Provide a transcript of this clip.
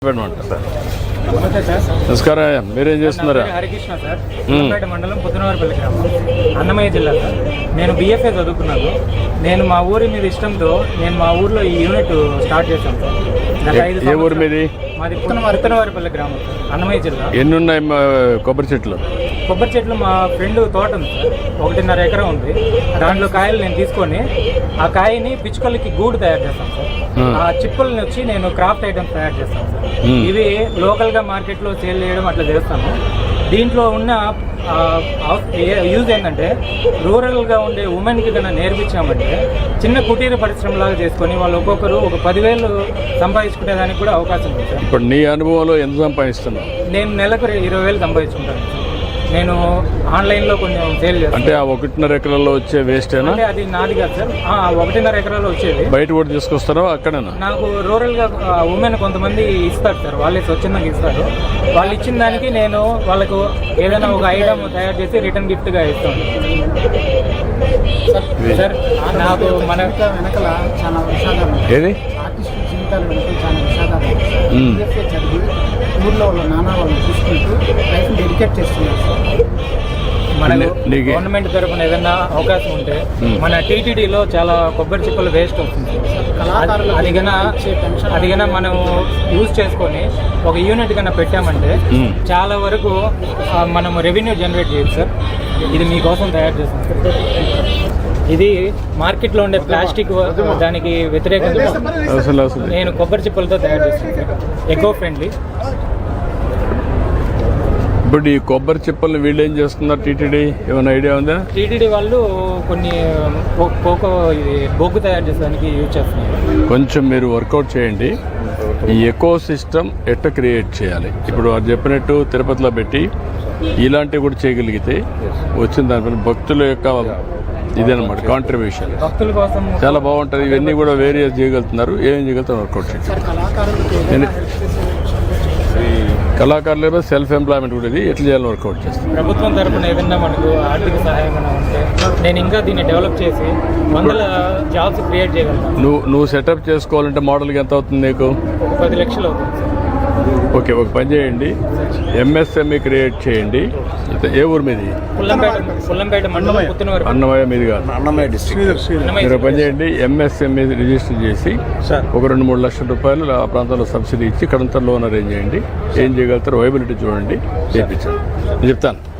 నమస్కారం. మీరేం చేస్తున్నారా? హరికృష్ణ సార్, పుల్లంపేట మండలం పుత్తనవారిపల్లి గ్రామం, అన్నమయ్య జిల్లా సార్. నేను BFA చదువుకున్నాను. నేను మా ఊరి మీద ఇష్టంతో నేను మా ఊర్లో ఈ యూనిట్ స్టార్ట్ చేశాను సార్. ఏ ఊరు మీది? మాది పుత్తనవారిపల్లి గ్రామం, అన్నమయ్య జిల్లా. ఎన్ని ఉన్నాయి కొబ్బరి చెట్లు? కొబ్బరి చెట్లు మా ఫ్రెండ్ తోట ఉంది సార్, 1.5 ఎకరం ఉంది. దాంట్లో కాయలు నేను తీసుకొని ఆ కాయని పిచ్చుకలకి గూడు తయారు చేస్తాను సార్. ఆ చిప్పుల్ని వచ్చి నేను క్రాఫ్ట్ ఐటమ్స్ తయారు చేస్తాను సార్. ఇవి లోకల్గా మార్కెట్లో సేల్ చేయడం అట్లా చేస్తాను. దీంట్లో ఉన్న యూజ్ ఏంటంటే రూరల్గా ఉండే ఉమెన్కి కన్నా నేర్పించామంటే చిన్న కుటీర పరిశ్రమలాగా చేసుకొని వాళ్ళు ఒక్కొక్కరు ఒక 10,000 సంపాదించుకునేదానికి కూడా అవకాశం ఉంది సార్. ఇప్పుడు నీ అనుభవంలో ఎంత సంపాదిస్తున్నావు? నేను నెలకు 20,000 సంపాదించుకుంటాను. నేను ఆన్లైన్లో కొంచెం సేల్ చేస్తాను. అంటే ఆ 1.5 ఎకరాల్లో వచ్చే వేస్ట్ అంటే అది నాది కాదు సార్. 1.5 ఎకరాల్లో వచ్చేది బయట కూడా తీసుకొస్తారో అక్కడేనా? నాకు రూరల్గా ఉమెన్ కొంతమంది ఇస్తారు సార్, వాళ్ళే స్వచ్ఛందంగా ఇస్తారు. వాళ్ళు ఇచ్చిన దానికి నేను వాళ్ళకు ఏదైనా ఒక ఐటమ్ తయారు చేసి రిటర్న్ గిఫ్ట్గా ఇస్తాను సార్. నాకు మన వెనకల చాలా విషాదాలు, ఏది ఆర్టిస్ట్ జీవితాలు వెనక చాలా విషాదాలు చదివి ఊర్లో వాళ్ళ నాన్న వాళ్ళు చూసుకుంటూ లైఫ్ డెడికేట్ చేస్తున్నారు సార్. మన గవర్నమెంట్ తరఫున ఏదైనా అవకాశం ఉంటే మన TTDలో చాలా కొబ్బరి చిప్పలు వేస్ట్ అవుతుంది. అది కన్నా మనం యూజ్ చేసుకొని ఒక యూనిట్ కన్నా పెట్టామంటే చాలా వరకు మనం రెవెన్యూ జనరేట్ చేయొచ్చు సార్. ఇది మీకోసం తయారు చేస్తాం సార్. ఇది మార్కెట్లో ఉండే ప్లాస్టిక్ దానికి వ్యతిరేకంగా నేను కొబ్బరి చిప్పలతో తయారు చేస్తాను సార్. Eco friendly. ఇప్పుడు ఈ కొబ్బరి చిప్పల్ని వీళ్ళు ఏం చేస్తున్నారు? TTD ఏమైనా ఐడియా ఉందా? TTD వాళ్ళు కొన్ని ఇది బొగ్గు తయారు చేసేదానికి యూజ్ చేస్తున్నారు. కొంచెం మీరు వర్కౌట్ చేయండి. ఈ ఎకో సిస్టమ్ ఎట్ట క్రియేట్ చేయాలి. ఇప్పుడు వారు చెప్పినట్టు తిరుపతిలో పెట్టి ఇలాంటివి కూడా చేయగలిగితే వచ్చిన దానిపైన భక్తుల యొక్క ఇదన్నమాట కాంట్రిబ్యూషన్ భక్తుల కోసం చాలా బాగుంటుంది. ఇవన్నీ కూడా వేరియస్ చేయగలుగుతున్నారు. ఏం చేయగలుగుతారు వర్కౌట్ చేయండి. కళాకారులు సెల్ఫ్ ఎంప్లాయ్మెంట్ కూడా ఇది ఎట్లా చేయాలని వర్కౌట్ చేస్తాం. ప్రభుత్వం తరఫున ఏదైనా మనకు ఆర్థిక సహాయం ఉంటే నేను ఇంకా దీన్ని డెవలప్ చేసి 100 జాబ్స్ క్రియేట్ చేయగలను. నువ్వు సెటప్ చేసుకోవాలంటే మోడల్కి ఎంత అవుతుంది నీకు? 10 లక్షలు అవుతుంది సార్. ఓకే, ఒక పని చేయండి, MSME క్రియేట్ చేయండి. ఏ ఊరు మీది? పుల్లంపేట మండలం పుత్తనవారి. అన్నమయ్య మీది కాదు, అన్నమయ్య డిస్ట్రిక్ట్. మీరు పని చేయండి, MSME రిజిస్టర్ చేసి ఒక 2-3 లక్షల రూపాయలు ఆ ప్రాంతంలో సబ్సిడీ ఇచ్చి ఇక్కడంతా లోన్ అరేంజ్ చేయండి. ఏం చేయగలుగుతారో వైబిలిటీ చూడండి, చేయించండి. నేను చెప్తాను.